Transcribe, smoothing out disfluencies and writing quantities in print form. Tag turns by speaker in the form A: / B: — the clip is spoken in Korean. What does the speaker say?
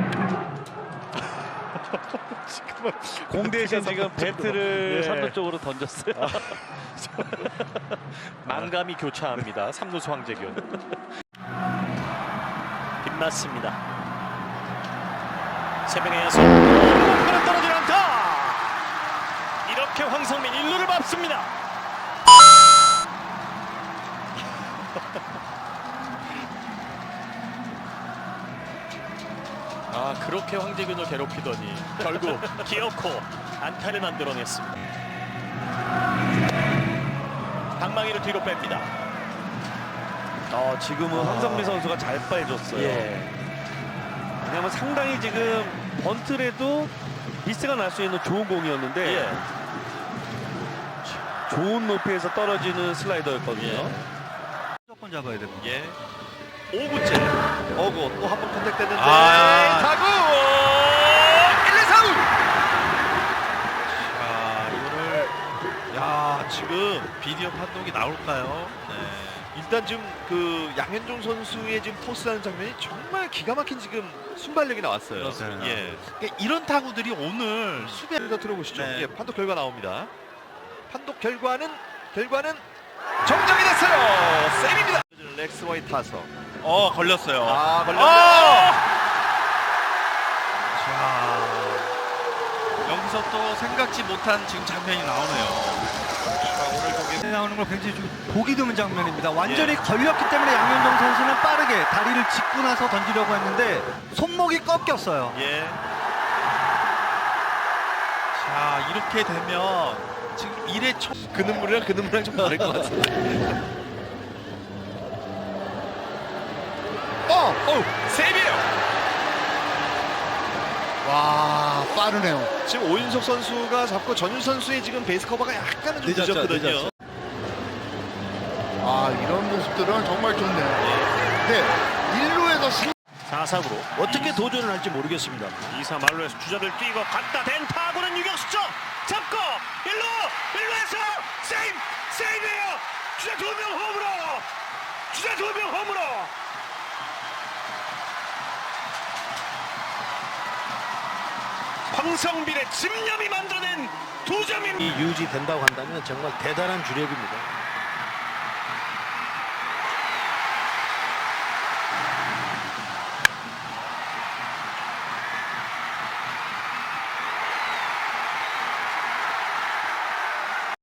A: 지금은
B: 공대에서 지금 배트를
A: 예.
B: 3루 쪽으로 던졌어요.
C: 만감이 교차합니다. 3루수 황재균. 빗맞습니다. 세 명의 야수. 공간은 떨어지지 않다. 이렇게 황성민 1루를 밟습니다. 아, 그렇게 황재균을 괴롭히더니 결국 기어코 안타를 만들어냈습니다. 방망이를 뒤로 뺍니다.
B: 지금은 황성민 선수가 잘 빠져줬어요.
C: 예.
B: 왜냐하면 상당히 지금 번트라도 미스가 날 수 있는 좋은 공이었는데
C: 예.
B: 좋은 높이에서 떨어지는 슬라이더였거든요.
C: 예.
A: 무조건 잡아야 됩니다.
C: 예. 5구째 어고 또 한 번 컨택됐는데
A: 타구
C: 1, 2, 4루.
A: 자, 이거를 지금 비디오 판독이 나올까요? 네.
D: 일단 지금 그 양현종 선수의 지금 토스하는 장면이 정말 기가 막힌 지금 순발력이 나왔어요.
A: 그렇습니다.
D: 예.
A: 그러니까 이런 타구들이 오늘 수비
D: 더 들어보시죠.
A: 네.
D: 예, 판독 결과 나옵니다. 판독 결과는 정정이 됐어요. 쌤입니다. 렉스 와이 타석.
A: 걸렸어요.
D: 걸렸네요.
A: 자, 여기서 또 생각지 못한 지금 장면이 나오네요.
D: 자, 오늘 경기
E: 나오는 걸 굉장히 좀 보기 드문 장면입니다. 완전히 걸렸기 때문에 양현종 선수는 빠르게 다리를 짚고 나서 던지려고 했는데 손목이 꺾였어요.
D: 예.
A: 자, 이렇게 되면 지금 1회 초
D: 그 눈물이랑 좀 다를 것 같은데. 세이브예요.
F: 와, 빠르네요.
D: 지금 오윤석 선수가 잡고 전윤 선수의 지금 베이스 커버가 약간은 좀 늦었거든요.
F: 이런 모습들은 정말 좋네요. 네, 1루에서
C: 4사구로 어떻게 도전을 할지 모르겠습니다. 2사 말루에서 주자들 뛰고 갔다 댄 타구는 유격수 쪽 잡고 1루에서 세이브예요. 주자 2명 홈으로 황성빈의 집념이 만들어낸 2점입니다.
G: 유지된다고 한다면 정말 대단한 주력입니다.